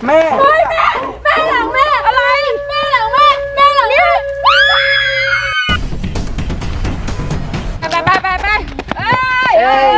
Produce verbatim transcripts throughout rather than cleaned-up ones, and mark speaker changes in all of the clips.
Speaker 1: แม่
Speaker 2: เฮ้ยแม่แม่หลังแม่อะไรแม่หลังแม่แม่หลังแม่ไปไปไปไปเอ้ยเอ้ย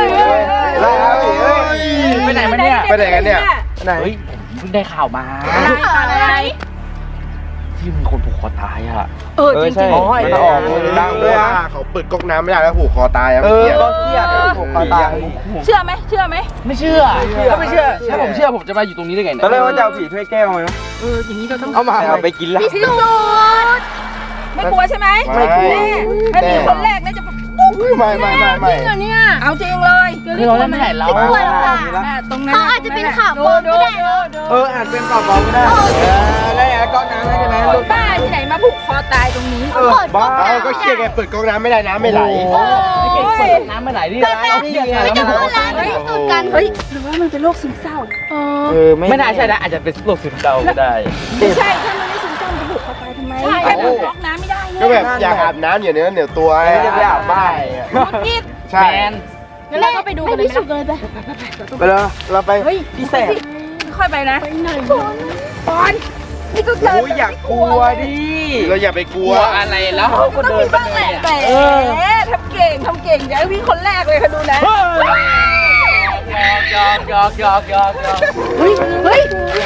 Speaker 1: ไปไหนมาเนี่ย
Speaker 3: ไปไหนกันเนี่ย
Speaker 1: ไหนเพิ่งได้ข่าวมา
Speaker 2: อะไร
Speaker 1: ที่มีคนผูกคอตายอ่ะ
Speaker 2: เออจริงจริง
Speaker 3: อ๋อมันออกดังด้วยว่าเขาเปิดก๊อกน้ำไม่ได้แล้วผูกคอตายอ่ะ
Speaker 1: เออก็เครียดผูกคอตาย
Speaker 2: เชื่อไหมเชื่อไหม
Speaker 1: ไม่เชื่อถ้าไม่เชื่อถ้าผมเชื่อผมจะมาอยู่ตรงนี้ได้ไงตอนแรกว่าจะเอาผีถ้วยแก้วมา
Speaker 2: เอออย่างนี้เราต้อง
Speaker 1: เอามาเอาไปกินแล้ว
Speaker 2: พิสูจน์ไม่กลัวใช่ไหม
Speaker 3: ไม่กลัว
Speaker 2: ถ้ามีคนแรกน่าจะ
Speaker 3: ไม่ไม่ไม่ไม่
Speaker 2: จริงเหรอเนี่ยเอาจริงเลย
Speaker 1: คือเราไม่เห็นเรา
Speaker 2: ไม่กลัวหรอกค่ะตรงนั้นเขาอาจจะเป็นข่าวปลอมก็ได้
Speaker 1: เอออาจเป็นข่าวปลอมก็ได้เออแล้วไงก๊อกน้ำได้ไหมลูก
Speaker 2: บ้าที่ไหนมาผูกคอตายตรงนี้
Speaker 3: เออบ้าก็เครียดไงเปิดก๊อกน้ำไม่ได้น้ำไม่ไหล
Speaker 1: ไม่เก่งเปิดน้ำไม่ไหลนี่ร้านนี่ยังไงแล้วมันผูกคอตาย
Speaker 2: พิสูจน์กันเฮ้ยหรือว่ามันเป็นโรคซึมเศร้า
Speaker 1: เออไม่น่าใช่นะอาจจะเป็นโรคซึมเศร้าก็ได้
Speaker 2: ไม่ใช่ถ้ามันไม่ซึมเศร้าจะผูกคอตายทำไมใช่แค่ผูกก๊อกน้ำไม่ได้
Speaker 3: ก็แบบอยากอาบน้ำอย่างนี้เหนียวตัว
Speaker 1: จะไปอาบบ้าน
Speaker 3: ใช่
Speaker 2: งั้นเราก็ไปดูกันเลยไปเลยไป
Speaker 3: ไปเลยเราไป
Speaker 1: พี่แสบ
Speaker 2: ค่อยไปนะไปไหนปอนนี่ก็เกิด
Speaker 1: อยากกลัวดิ
Speaker 3: เราอย่าไปกลัว
Speaker 1: อะไรแล้ว
Speaker 2: ก็เดินบ้างแหละแต่ทำเก่งทำเก่งอย่าพี่คนแรกเลยค่ะดูนะ
Speaker 1: ยอกยอกยอกยอกยอก
Speaker 2: เฮ้ยเฮ้ย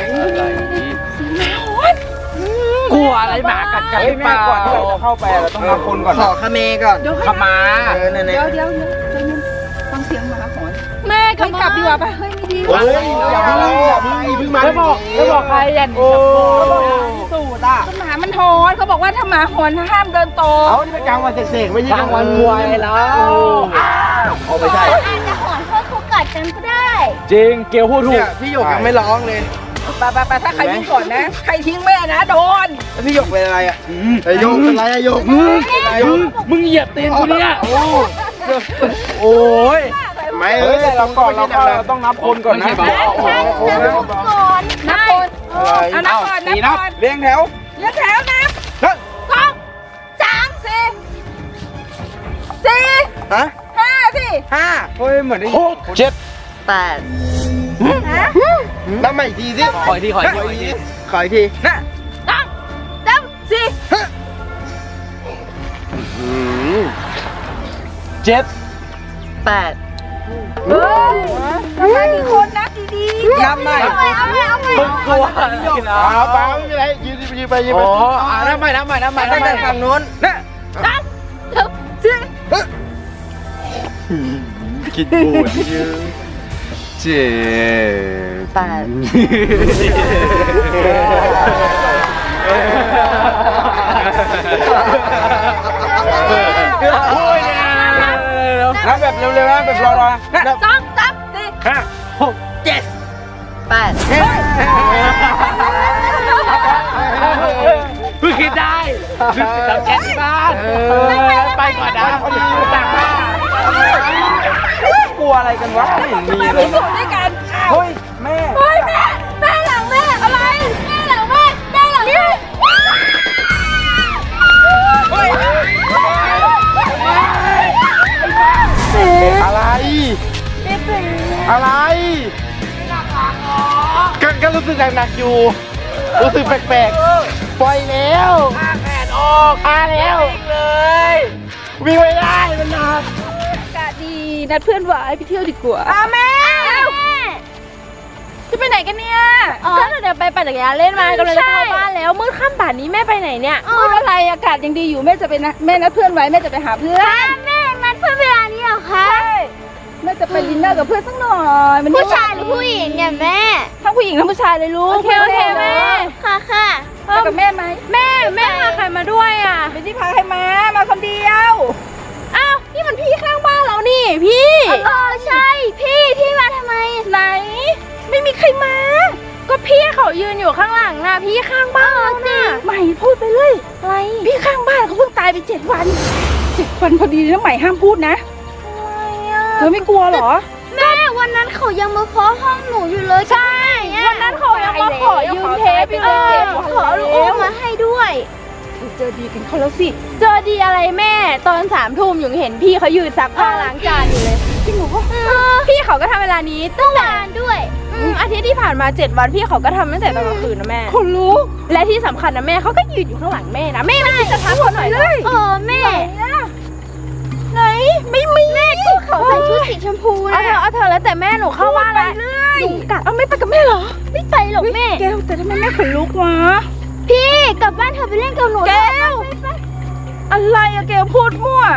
Speaker 1: กลัวอะไรหมากัดกันหรือเปล่าก่อนที่เราจะเข้าไปเราต้องนับคนก่อนขอขเมก่อนขมา
Speaker 2: เดี๋ยวเดี๋ยวเดี๋ยวฟังเสียงหมาหอนแม่กลับดีกว่าป่ะเฮ้ยไม่ดี
Speaker 3: เฮ้ยอย่าเพิ่งอย่าเพิ่งอย่าเพิ่งมา
Speaker 1: แล้วบอกแล้วบอกใครยันโอ้สูดอ่ะ
Speaker 2: หมามันหอนเขาบอกว่าถ้าหมาหอนห้ามเดินโต
Speaker 3: เอานี่เป็นกลางวันเสกๆไม่ใช่
Speaker 1: กลางวันควายแล้ว
Speaker 3: เอาไม่ใช่
Speaker 2: อาจจะหอนเพราะเขากัดกันก็ได้
Speaker 1: จริงเกลพูดถูก
Speaker 3: พี่หยกยังไม่ร้องเลย
Speaker 2: ไปไปไปถ้าใครทิ้งก่อนนะใครทิ้งแม่นะโดน
Speaker 3: แล้วพี่หยกเป็นอะไรอ่ะไอโยกเป็นอะไรอะโยก
Speaker 1: มึงมึงเหยียบตีนกูเนี่ยโอ้ย
Speaker 3: ไม่เอ้ย
Speaker 1: เราก่อนเราเราต้องนับคนก่อนนะ
Speaker 2: นับก่อนนับคนเอานับก่อนนับก่อน
Speaker 1: เรียงแถว
Speaker 2: เรียงแถวนับสองสามสี่สี่
Speaker 3: ฮะ
Speaker 2: ห้าสิ
Speaker 1: ห้าเฮ้ยเหมือนได้หกเจ็ดแปด
Speaker 3: นับใหม่อีกทีสิ
Speaker 1: ขออีกทีขออีกที
Speaker 3: ขออีกที
Speaker 2: นะสองสามสี่
Speaker 1: เจ็ดแปด
Speaker 2: เฮ้ยนับมากี่คนนับดีๆ
Speaker 1: นับใหม่
Speaker 2: เอาใหม่เอาใหม่เอาใหม่
Speaker 1: มึงกลัว
Speaker 3: เอาไปไม่เป็นไรยืนยืนไปยืนไป
Speaker 1: อ๋ออ่านับใหม่นับใหม่นับใหม่ตั้งแต่ฝั่งนู้นนะ
Speaker 2: สามสี่
Speaker 3: คิดบูดยืนเจ็ด
Speaker 1: แปดโอ้ยเนี่ยนับแบบเร็วๆนะแบบรอๆ
Speaker 2: สองสามสี่
Speaker 1: ห้าหกเจ็ดแปดเพิ่งคิดได้ทำแก๊สที่บ้านไปก่อนนะต่างบ้านกลัวอะไรกันวะไม่เห็นมีเลย
Speaker 2: ด้วยกัน
Speaker 1: เฮ้ยแม่
Speaker 2: เฮ้ยแม่แม่หลังแม่อะไรแม่หลังแม่แม่หลังแม่
Speaker 3: อะไรอะไรก็ก็รู้สึกหนักๆอยู่รู้สึกแปลกๆปล่อยแล้ว
Speaker 1: ข้าแขนออก
Speaker 3: มาแล้ว
Speaker 1: เลย
Speaker 3: วิ่งไม่ได้มันหนัก
Speaker 2: อากาศดีนัดเพื่อนหวายไปเที่ยวดีกว่าอ้าแม่จะไปไหนกันเนี่ย
Speaker 4: ก็เดี๋ยวไปปั่นจักรยานเล่นมากำลังจะเข้าบ้านแล้วมืดค่ำป่านนี้แม่ไปไหนเนี่ย
Speaker 2: มืดอะไรอากาศยังดีอยู่แม่จะไปนะแม่นัดเพื่อนไว้แม่จะไปหาเพื่อน
Speaker 4: แม่นัดเพื่อนเวลานี้เหรอคะ
Speaker 2: ใช่แม่จะไปดินเนอร์กับเพื่อนสักหน่อย
Speaker 4: ผู้ชายหรือผู้หญิงเนี่ยแม่
Speaker 2: ทั้งผู้หญิงทั้งผู้ชายเลยลูก
Speaker 4: โอเคโอเคแม่ค่ะค่ะ
Speaker 2: ไปกับแม่ไหม
Speaker 4: แม่แม่พาใครมาด้วยอ่ะ
Speaker 2: ไม่ได้พาใครมามาคนเดียว
Speaker 4: อ้าวนี่มันพี่ข้างบ้านเรานี่พี่เออใช่พี่พี่มาทำไม
Speaker 2: ไหนไม่มีใครมา
Speaker 4: ก็พี่เขายืนอยู่ข้างหลังนะพี่ข้างบ้านเราน่ะ
Speaker 2: ใหม่พูดไปเลย
Speaker 4: อะไร
Speaker 2: พี่ข้างบ้านเขาเพิ่งตายไปเจ็ดวันเจ็ดวันพอดีนะใหม่ห้ามพูดนะเธอไม่กลัวหรอ
Speaker 4: แม่วันนั้นเขายังมาเคาะห้องหนูอยู่เลย
Speaker 2: ใช่วันนั้นเขายังมาขอยืมเทปไปเลย
Speaker 4: ขอลูกอมมาให้ด้วย
Speaker 2: เจอดีกันเขาแล้วสิ
Speaker 4: เจอดีอะไรแม่ตอนสามทุ่มยังเห็นพี่เขายืนซักผ้าล้างจานอยู่เลย
Speaker 2: จริงเหรอ
Speaker 4: พี่เขาก็ทำเวลานี้ตั้งนานด้วย
Speaker 2: เ
Speaker 4: อืมอาทิตย์ที่ผ่านมาเจ็ดวันพี่เขาก็ทำตั้งแต่ตอนกลางคืนนะแม่
Speaker 2: คนลุก
Speaker 4: และที่สำคัญนะแม่เขาก็ยืนอยู่ข้างหลังแม่นะแม่ไม่คิดจะทักเขาหน่อยเหรอเออแม่ไหนไม่มีแม่ก็เขาใส่ชุดสีชมพูนะเอาเถอะเอาเถอะแล้วแต่แม่หนูเข้าบ้านแล้วยุงกัดเอาไม่ไปกับแม่เหรอไม่ไปหรอกแม่
Speaker 2: แก้วแต่ทำไมแม่ขนลุกวะ
Speaker 4: พี่กลับบ้านเธอไปเล่นกับหนู
Speaker 2: แก้ว อะไรอะแก้วพูดมั่ว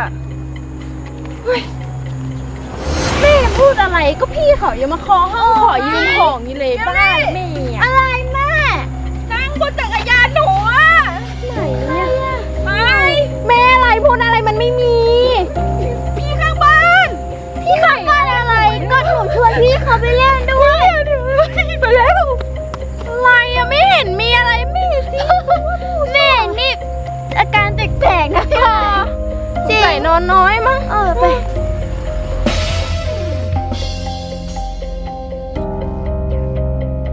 Speaker 4: แม่พูดอะไรก็พี่เขายังมาคอห้องขอยืมของนี่เลยบ้านแม่อะไรแม่
Speaker 2: นั่งบนจักรยานหนูอะ
Speaker 4: ไหนเนี่ย
Speaker 2: ไป
Speaker 4: แม่อะไรพูดอะไรมันไม่มี
Speaker 2: พี่ข้างบ้าน
Speaker 4: พี่ข้างบ้านอะไรก็หนูชวนพี่เขาไปเล่นด้วย
Speaker 2: ไปแล้ว
Speaker 4: อะไรอะไม่เห็นมีอะไรไม่เห็นสิแม่นี่อาการแปลกๆนะพี่จริงใส่นอนน้อยมั้งเออไป